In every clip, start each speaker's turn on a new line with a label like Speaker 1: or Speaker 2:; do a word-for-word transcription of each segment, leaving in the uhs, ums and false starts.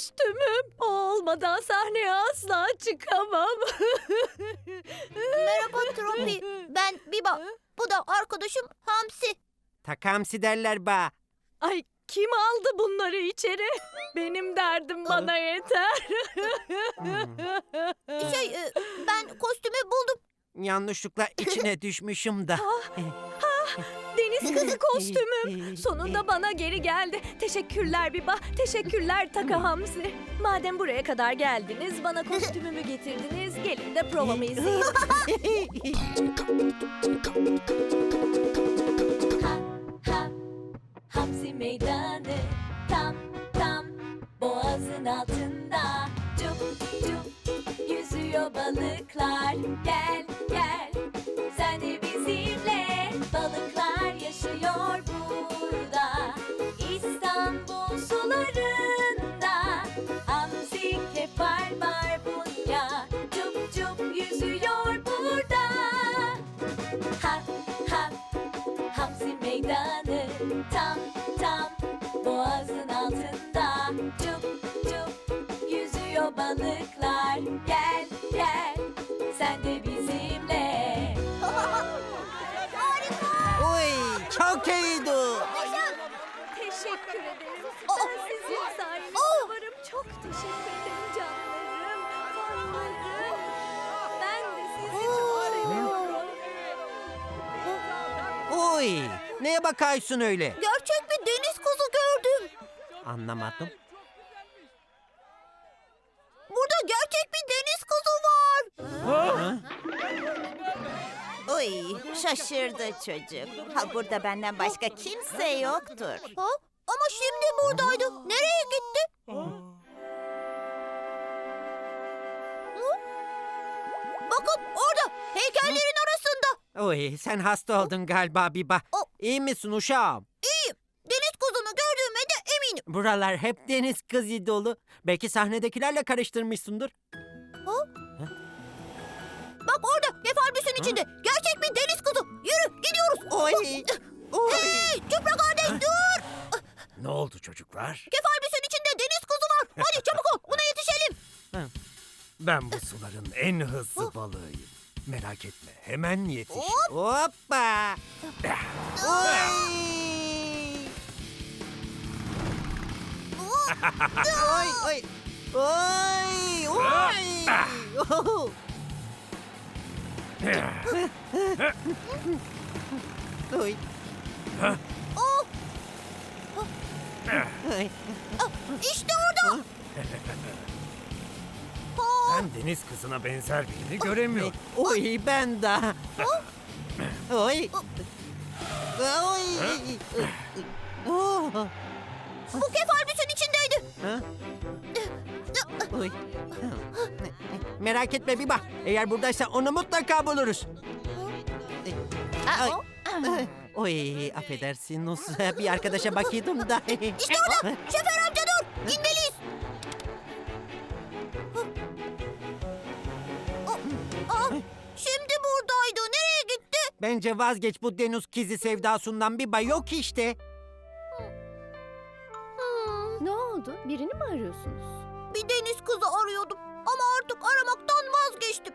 Speaker 1: kostümüm. O olmadan sahneye asla çıkamam.
Speaker 2: Merhaba Tropi. Ben Biba. Bu da arkadaşım Hamsi.
Speaker 3: Takamsi derler ba.
Speaker 1: Ay, kim aldı bunları içeri? Benim derdim bana yeter.
Speaker 2: Şey, e, ben kostümü buldum.
Speaker 3: Yanlışlıkla içine düşmüşüm da.
Speaker 1: Deniz kızı kostümüm. Sonunda bana geri geldi. Teşekkürler Biba. Teşekkürler Taka Hamsi. Madem buraya kadar geldiniz, bana kostümümü getirdiniz. Gelin de provamı izleyin. Ha ha Hamsi meydanı tam tam boğazın altında. Cup cup yüzüyor balıklar. Gel gel sen de bizimle. Balıklar yaşıyor burada, İstanbul sularında. Hamsi, kefal, barbunya, cup cup yüzüyor burada. Ha ha Hamsi meydanı tam tam boğazın altında. Cup cup yüzüyor balıklar. Gel gel sen de bizimle.
Speaker 3: Oy, çok iyiydi.
Speaker 1: Teşekkür ederim. Ben sizin sayenizde varım. Çok teşekkür ederim canlarım, fanlarım. Ben de sizi çok seviyorum.
Speaker 3: Oy, neye bakarsın öyle?
Speaker 2: Gerçek bir deniz kızı gördüm.
Speaker 3: Anlamadım.
Speaker 2: Burada gerçek bir deniz kızı var.
Speaker 4: Oy, şaşırdı çocuk. Ha, burada benden başka kimse yoktur.
Speaker 2: Ha? Ama şimdi buradaydı. Nereye gitti? Hı? Bakın orada, heykellerin arasında.
Speaker 3: Oy, sen hasta oldun galiba Biba.
Speaker 2: O-
Speaker 3: İyi misin uşağım?
Speaker 2: İyiyim. Deniz kızını gördüğüme de eminim.
Speaker 3: Buralar hep deniz kızı dolu. Belki sahnedekilerle karıştırmışsındır.
Speaker 2: Bak orada, kefalbüsün içinde. Gerçek bir deniz kızı. Yürü, gidiyoruz.
Speaker 3: Oy, oy.
Speaker 2: Hey, Çupra kardeş dur.
Speaker 5: Ne oldu çocuklar?
Speaker 2: Kefalbüsün içinde deniz kızı var. Hadi çabuk ol, buna yetişelim.
Speaker 5: Ben bu suların en hızlı balığıyım. Merak etme, hemen yetiş.
Speaker 3: Hoppa. Oy. Oy, oy. Oy, oy. Oh. Oy.
Speaker 2: Oh,
Speaker 3: Oy.
Speaker 2: işte orada. Oh,
Speaker 5: Ben deniz kızına benzer birini göremiyorum.
Speaker 3: Oy, ben de. Oy. Oy. Oh.
Speaker 2: bu kefalbüsün içindeydi.
Speaker 3: Ha? Oy. Merak etme Biba. Eğer buradaysa onu mutlaka buluruz. Ay. Oy, affedersin Nus. Bir arkadaşa bakıyordum da.
Speaker 2: İşte orada. Şoför amca dur. İnmeliyiz. Aa, şimdi buradaydı. Nereye gitti?
Speaker 3: Bence vazgeç bu deniz kizi sevdasından Biba, yok işte.
Speaker 6: Ne oldu? Birini mi arıyorsunuz?
Speaker 2: Bir deniz kızı arıyordum. Ama artık aramaktan vazgeçtim.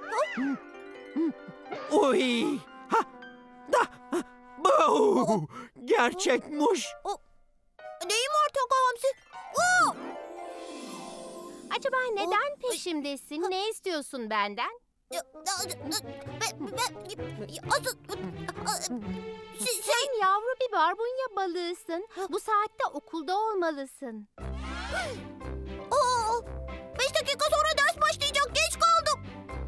Speaker 3: Oy. Ha. Da. Bu. Gerçekmiş.
Speaker 2: Neyim var Taka Hamsi? Oo!
Speaker 6: Acaba neden peşimdesin? Ne istiyorsun benden?
Speaker 2: Ya, ya, Ben, ben, asıl... Şey,
Speaker 6: Sen yavru bir barbunya balığısın. Bu saatte okulda olmalısın.
Speaker 2: Oo, beş dakika sonra ders başlayacak. Geç kaldım.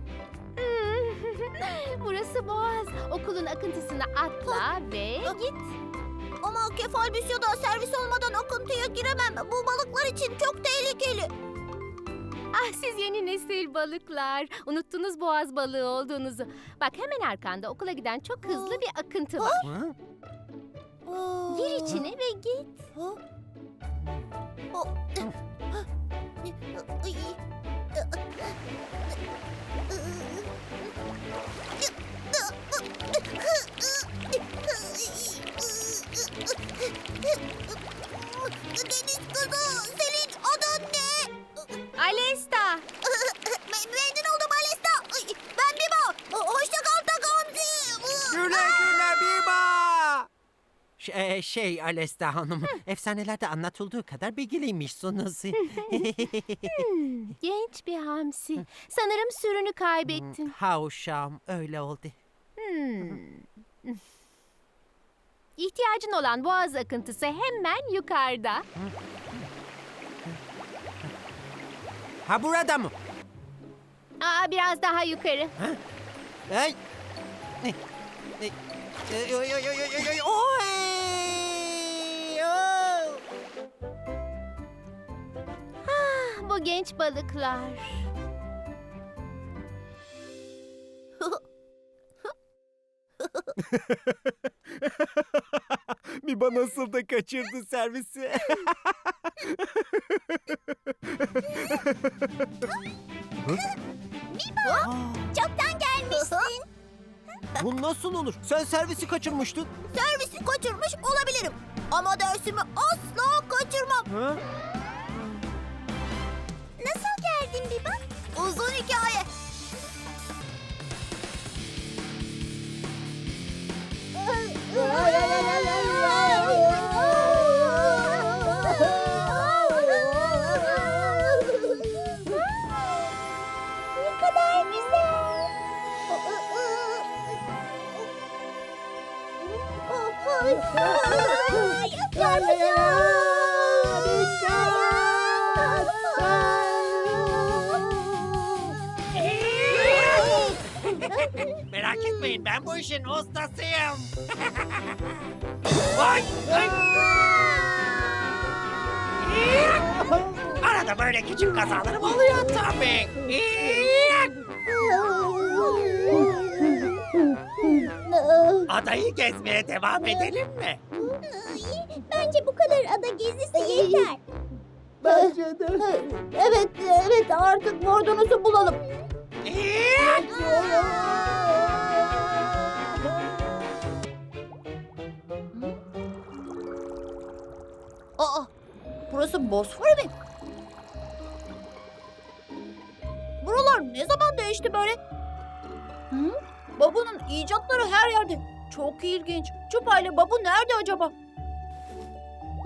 Speaker 6: Burası Boğaz. Okulun akıntısına atla ve git.
Speaker 2: Ama kefalbüs ya da servis olmadan akıntıya giremem. Bu balıklar için çok tehlikeli.
Speaker 6: Ah, siz yeni nesil balıklar. Unuttunuz boğaz balığı olduğunuzu. Bak, hemen arkanda okula giden çok hızlı bir akıntı var.
Speaker 3: Ha?
Speaker 6: Gir içine ve git.
Speaker 2: Ha? O- Ay. Deniz kızı, senin adın ne?
Speaker 3: Ş- e, şey Alesta Hanım, efsanelerde anlatıldığı kadar bilgiliymişsiniz.
Speaker 6: Genç bir hamsi. Sanırım sürünü kaybettin.
Speaker 3: ha uşağım, öyle oldu.
Speaker 6: Hmm. İhtiyacın olan boğaz akıntısı hemen yukarıda.
Speaker 3: Ha burada mı?
Speaker 6: Aa, biraz daha yukarı.
Speaker 3: Ay. Ay. Ay. Ay, oy, oy, oy, oy, oy, oy. Oy! Oh!
Speaker 6: Ah, bu genç balıklar.
Speaker 5: Biba nasıl da kaçırdı servisi.
Speaker 2: Çoktan gelmişsin.
Speaker 3: Bu nasıl olur? Sen servisi kaçırmıştın.
Speaker 2: Servisi kaçırmış olabilirim. Ama dersimi asla kaçırmam.
Speaker 3: Ha?
Speaker 2: Nasıl geldin Biba? Uzun hikaye. Ne kadar güzel.
Speaker 3: Merak etmeyin, ben bu işin ustasıyım. Vay! Ay! Arada böyle küçük kazalarım oluyor tabii. Adayı gezmeye devam edelim mi?
Speaker 2: Bence bu kadar ada gezisi yeter. Bence de. Evet, evet artık bordonuzu bulalım. Aa, burası Bosfor mi? Buralar ne zaman değişti böyle? Hı? Babu'nun icatları her yerde. Çok ilginç. Çupa ile Babu nerede acaba? Hı?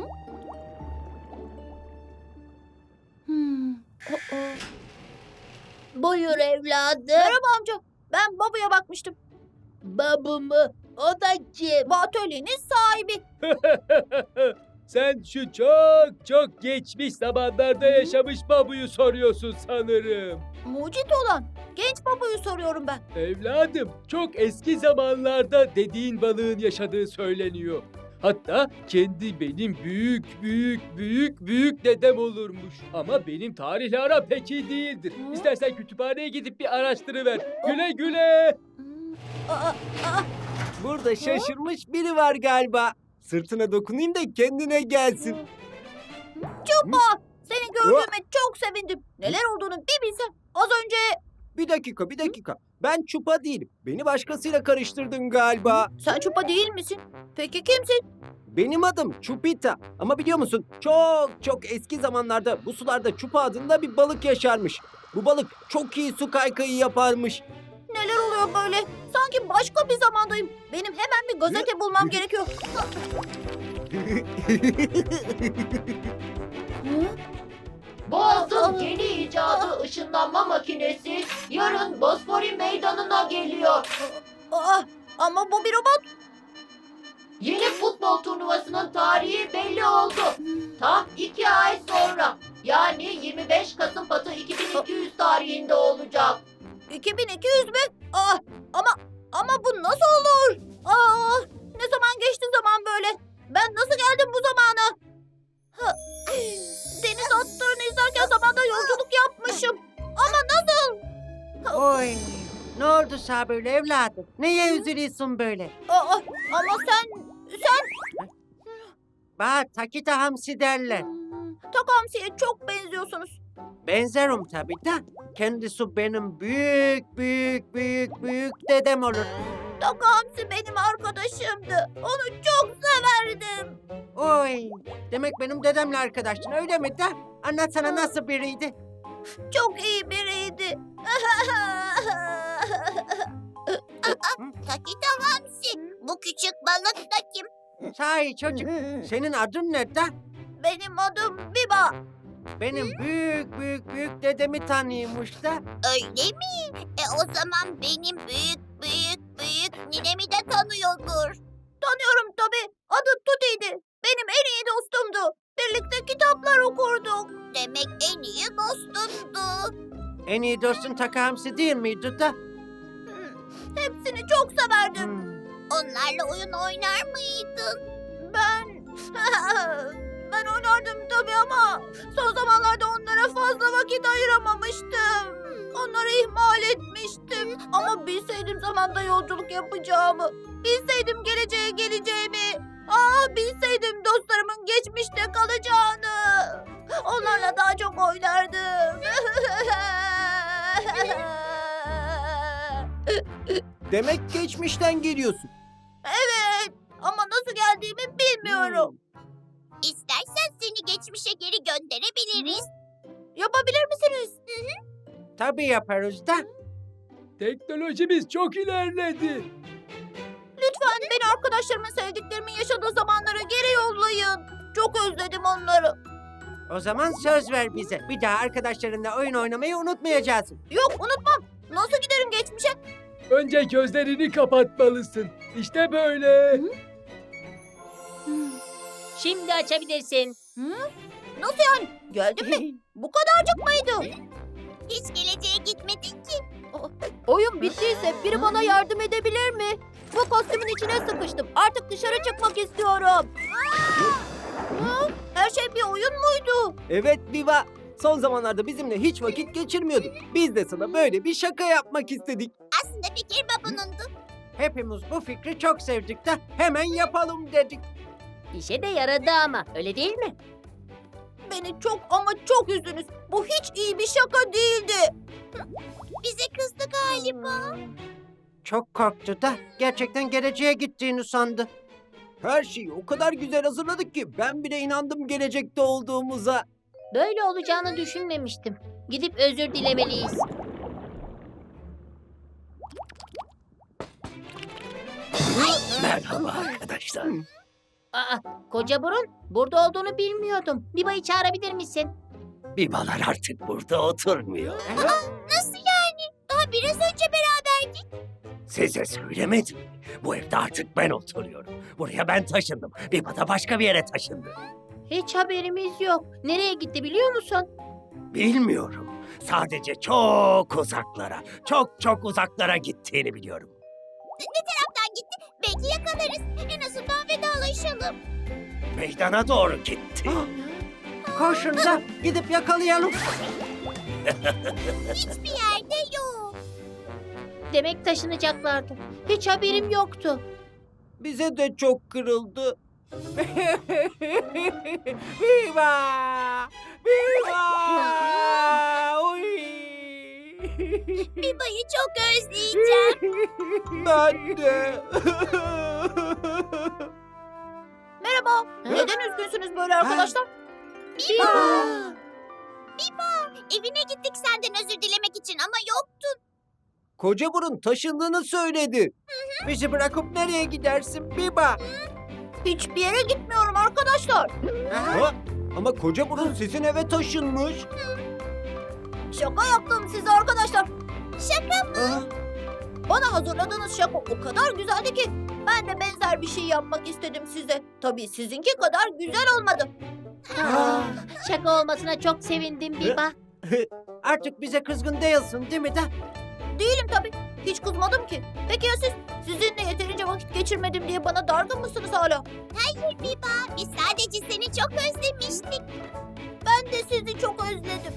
Speaker 2: Hmm. aa. Buyur evladım. Merhaba amca. Ben Babu'ya bakmıştım. Babu mu? O da kim? Bu atölyenin sahibi.
Speaker 7: Sen şu çok çok geçmiş zamanlarda yaşamış babuyu soruyorsun sanırım.
Speaker 2: Mucit olan. Genç Babu'yu soruyorum ben.
Speaker 7: Evladım, çok eski zamanlarda dediğin balığın yaşadığı söyleniyor. Hatta kendi benim büyük büyük büyük büyük dedem olurmuş. Ama benim tarihle aram pek iyi değildir.
Speaker 2: Hı?
Speaker 7: İstersen kütüphaneye gidip bir araştırıver. Güle güle.
Speaker 2: Hmm. Aa, aa,
Speaker 5: Burada şaşırmış biri var galiba. Sırtına dokunayım da kendine gelsin.
Speaker 2: Çupa! Seni gördüğüme çok sevindim. Neler olduğunu bir bilsem. Az önce...
Speaker 5: Bir dakika, bir dakika. Ben Çupa değilim. Beni başkasıyla karıştırdın galiba.
Speaker 2: Sen Çupa değil misin? Peki kimsin?
Speaker 5: Benim adım Çupita. Ama biliyor musun? Çok çok eski zamanlarda bu sularda Çupa adında bir balık yaşarmış. Bu balık çok iyi su kaykayı yaparmış.
Speaker 2: Neler oluyor böyle? Sanki başka bir zamandayım. Benim hemen bir gazete bulmam gerekiyor. Hı?
Speaker 8: Boğaz'ın yeni icadı ışınlanma makinesi yarın Bosfori meydanına geliyor.
Speaker 2: Aa, ama bu bir robot.
Speaker 8: Yeni futbol turnuvasının tarihi belli oldu. Tam iki ay sonra yani yirmi beş Kasım Patı iki bin iki yüz tarihinde olacak.
Speaker 2: iki bin iki yüz mü? Aa, ama ama bu nasıl olur? Aa, ne zaman geçti zaman böyle? Ben nasıl geldim bu zamana? Ha, deniz atlarını izlerken zamanda yolculuk yapmışım. Ama nasıl?
Speaker 3: Oy! Ne oldu sana böyle evladım? Neye üzülüyorsun böyle?
Speaker 2: Aa, ama sen, sen...
Speaker 3: Bana Takita Hamsi derler.
Speaker 2: Hmm, Takamsi'ye çok benziyorsunuz.
Speaker 3: Benzerim tabii de. Kendisi benim büyük büyük büyük büyük dedem olur.
Speaker 2: Takamsi benim arkadaşımdı. Onu çok severdim.
Speaker 3: Oy! Demek benim dedemle arkadaştın öyle mi de? Anlatsana nasıl biriydi?
Speaker 2: Çok iyi biriydi. Takita Hamsi, bu küçük balık da kim?
Speaker 3: Sahi çocuk, senin adın ne da?
Speaker 2: Benim adım Biba.
Speaker 3: Benim büyük büyük büyük dedemi tanıyormuş da.
Speaker 2: Öyle mi? E o zaman benim büyük büyük büyük ninemi de tanıyordur. Tanıyorum tabii. Adı Tuti'ydi. Benim en iyi dostumdu. Birlikte kitaplar okurduk. Demek en iyi dostumdu.
Speaker 3: En iyi dostun Taka Hamsi değil miydi da?
Speaker 2: Hepsini çok severdim.
Speaker 3: Hmm.
Speaker 2: Onlarla oyun oynar mıydın? Ben... ben oynardım tabii ama son zamanlarda onlara fazla vakit ayıramamıştım. Onları ihmal etmiştim. Ama bilseydim zamanda yolculuk yapacağımı, bilseydim geleceğe geleceğimi, ah bilseydim dostlarımın geçmişte kalacağını, onlarla daha çok oynardım.
Speaker 5: Demek geçmişten geliyorsun.
Speaker 2: Evet ama nasıl geldiğimi bilmiyorum. İstersen seni geçmişe geri gönderebiliriz. Yapabilir misiniz?
Speaker 3: Tabii yaparız da.
Speaker 7: Teknolojimiz çok ilerledi.
Speaker 2: Lütfen beni arkadaşlarımın sevdiklerimin yaşadığı zamanlara geri yollayın. Çok özledim onları.
Speaker 3: O zaman söz ver bize. Bir daha arkadaşlarınla oyun oynamayı unutmayacağız.
Speaker 2: Yok unutmam. Nasıl giderim geçmişe?
Speaker 7: Önce gözlerini kapatmalısın. İşte böyle.
Speaker 4: Şimdi açabilirsin.
Speaker 2: Nasıl yani? Geldin mi? Bu kadarcık mıydı? Hiç geleceğe gitmedin ki. Oyun bittiyse biri bana yardım edebilir mi? Bu kostümün içine sıkıştım. Artık dışarı çıkmak istiyorum. Hı? Her şey bir oyun muydu?
Speaker 5: Evet Biba. Son zamanlarda bizimle hiç vakit geçirmiyordun. Biz de sana böyle bir şaka yapmak istedik.
Speaker 2: Aslında fikir babunundu.
Speaker 3: Hepimiz bu fikri çok sevdik de hemen yapalım dedik.
Speaker 4: İşe de yaradı ama öyle değil mi?
Speaker 2: Beni çok ama çok üzdünüz. Bu hiç iyi bir şaka değildi. Bize kızdı galiba.
Speaker 3: Çok korktu da gerçekten geleceğe gittiğini sandı.
Speaker 5: Her şeyi o kadar güzel hazırladık ki ben bile inandım gelecekte olduğumuza.
Speaker 4: Böyle olacağını düşünmemiştim. Gidip özür dilemeliyiz.
Speaker 9: Merhaba arkadaşlar.
Speaker 4: Aa, koca burun burada olduğunu bilmiyordum. Biba'yı çağırabilir misin?
Speaker 9: Bibalar artık burada oturmuyor.
Speaker 2: Nasıl yani? Daha biraz önce beraberdik.
Speaker 9: Size söylemedim. Bu evde artık ben oturuyorum. Buraya ben taşındım. Biba da başka bir yere taşındı.
Speaker 4: Hiç haberimiz yok. Nereye gitti biliyor musun?
Speaker 9: Bilmiyorum. Sadece çok uzaklara, çok çok uzaklara gittiğini biliyorum.
Speaker 2: Ne taraftan gitti? Belki yakalarız. En azından vedalaşalım.
Speaker 9: Meydana doğru gitti.
Speaker 3: Koşun da gidip yakalayalım.
Speaker 2: Hiçbir yerde yok.
Speaker 4: Demek taşınacaklardı. Hiç haberim yoktu.
Speaker 5: Bize de çok kırıldı.
Speaker 3: Viva! Viva! Oy!
Speaker 2: Biba'yı çok özleyeceğim.
Speaker 5: Ben de.
Speaker 2: Merhaba. Neden üzgünsünüz böyle arkadaşlar? Biba. Biba. Evine gittik senden özür dilemek için ama yoktun.
Speaker 5: Koca burun taşındığını söyledi.
Speaker 3: Bizi bırakıp nereye gidersin Biba?
Speaker 2: Hiçbir yere gitmiyorum arkadaşlar.
Speaker 5: Ha? Ama koca burun sizin eve taşınmış.
Speaker 2: Şaka yaptım size arkadaşlar. Şaka mı?
Speaker 5: Aa,
Speaker 2: Bana hazırladığınız şaka o kadar güzeldi ki ben de benzer bir şey yapmak istedim size. Tabii sizinki kadar güzel olmadı.
Speaker 4: Aa, şaka olmasına çok sevindim Biba.
Speaker 3: Artık bize kızgın değilsin değil mi de?
Speaker 2: Değilim tabii. Hiç kızmadım ki. Peki ya siz? Sizinle yeterince vakit geçirmedim diye bana dargın mısınız hala? Hayır Biba. Biz sadece seni çok özlemiştik. Ben de sizi çok özledim.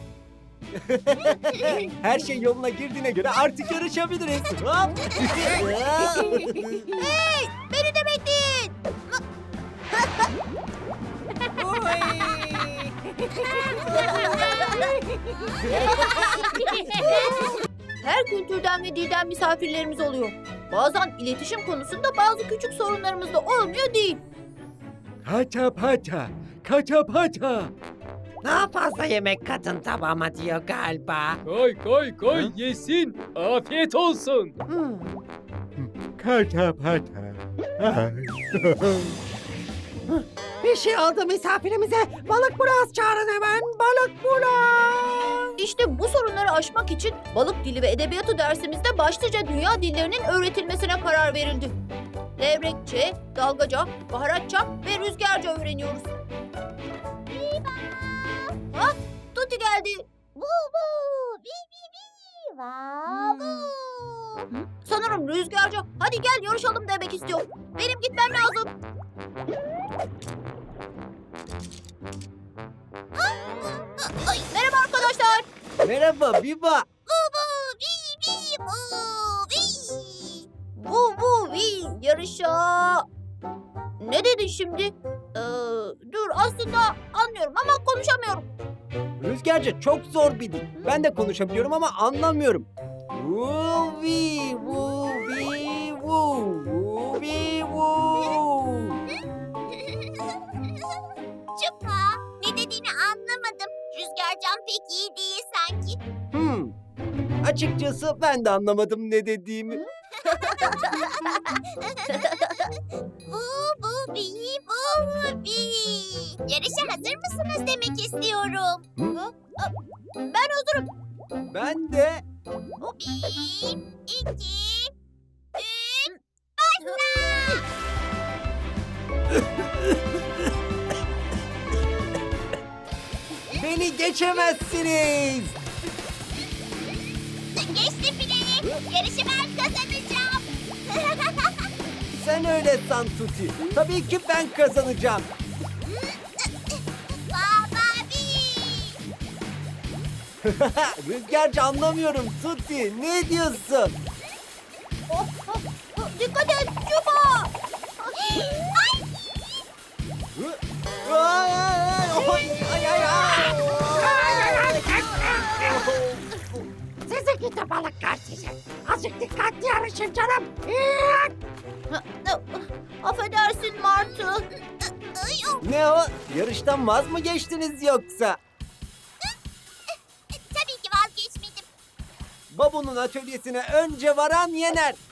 Speaker 5: Her şey yoluna girdiğine göre artık yarışabiliriz. Hop.
Speaker 2: Hey! Beni de bekleyin. Her kültürden ve dilden misafirlerimiz oluyor. Bazen iletişim konusunda bazı küçük sorunlarımız da olmuyor değil.
Speaker 7: Pata pata, kata pata.
Speaker 3: Daha fazla yemek kadın tabağıma diyor galiba.
Speaker 7: Koy koy koy yesin. Afiyet olsun.
Speaker 3: Hmm.
Speaker 10: Kata pata.
Speaker 3: Bir şey oldu misafirimize. Balık Buraz çağırın hemen. Balık Buraz.
Speaker 2: İşte bu sorunları aşmak için balık dili ve edebiyatı dersimizde başlıca dünya dillerinin öğretilmesine karar verildi. Levrekçe, dalgaca, baharatça ve rüzgarca öğreniyoruz. Ha, Tuti geldi. Hmm. Sanırım rüzgarca. Hadi gel yarışalım demek istiyor. Benim gitmem lazım. Ay, merhaba arkadaşlar.
Speaker 5: Merhaba Biba.
Speaker 2: Vu vu vi yarışa. Ne dedin şimdi? Ee, dur aslında anlıyorum ama konuşamıyorum.
Speaker 5: Rüzgarca çok zor bir dil. Ben de konuşabiliyorum ama anlamıyorum. Vuvi vuvi vu vuvi vu.
Speaker 2: Çupa ne dediğini anlamadım. Rüzgarcan pek iyi değil sanki.
Speaker 5: Hmm. Açıkçası ben de anlamadım ne dediğimi.
Speaker 2: Bu bu bi bu bi. Yarışa hazır mısınız demek istiyorum.
Speaker 5: Hı?
Speaker 2: Ben hazırım.
Speaker 5: Ben de.
Speaker 2: Bir, iki, üç, başla.
Speaker 5: Beni geçemezsiniz.
Speaker 2: Geçti bile. Yarışı ben kazanacağım.
Speaker 5: Sen öyle san Tuti. Tabii ki ben kazanacağım.
Speaker 2: Baba bi.
Speaker 5: Rüzgarca anlamıyorum Tuti. Ne diyorsun?
Speaker 2: Oh, oh, oh, dikkat et Çupa. Ay.
Speaker 5: Ay, ay, ay, ay, ay.
Speaker 3: Sizi gidi balıklar sizi. Azıcık dikkatli yarışın canım.
Speaker 2: Affedersin Martı.
Speaker 5: Ne o? Yarıştan vaz mı geçtiniz yoksa?
Speaker 2: Tabii ki vazgeçmedim.
Speaker 5: Babu'nun atölyesine önce varan yener.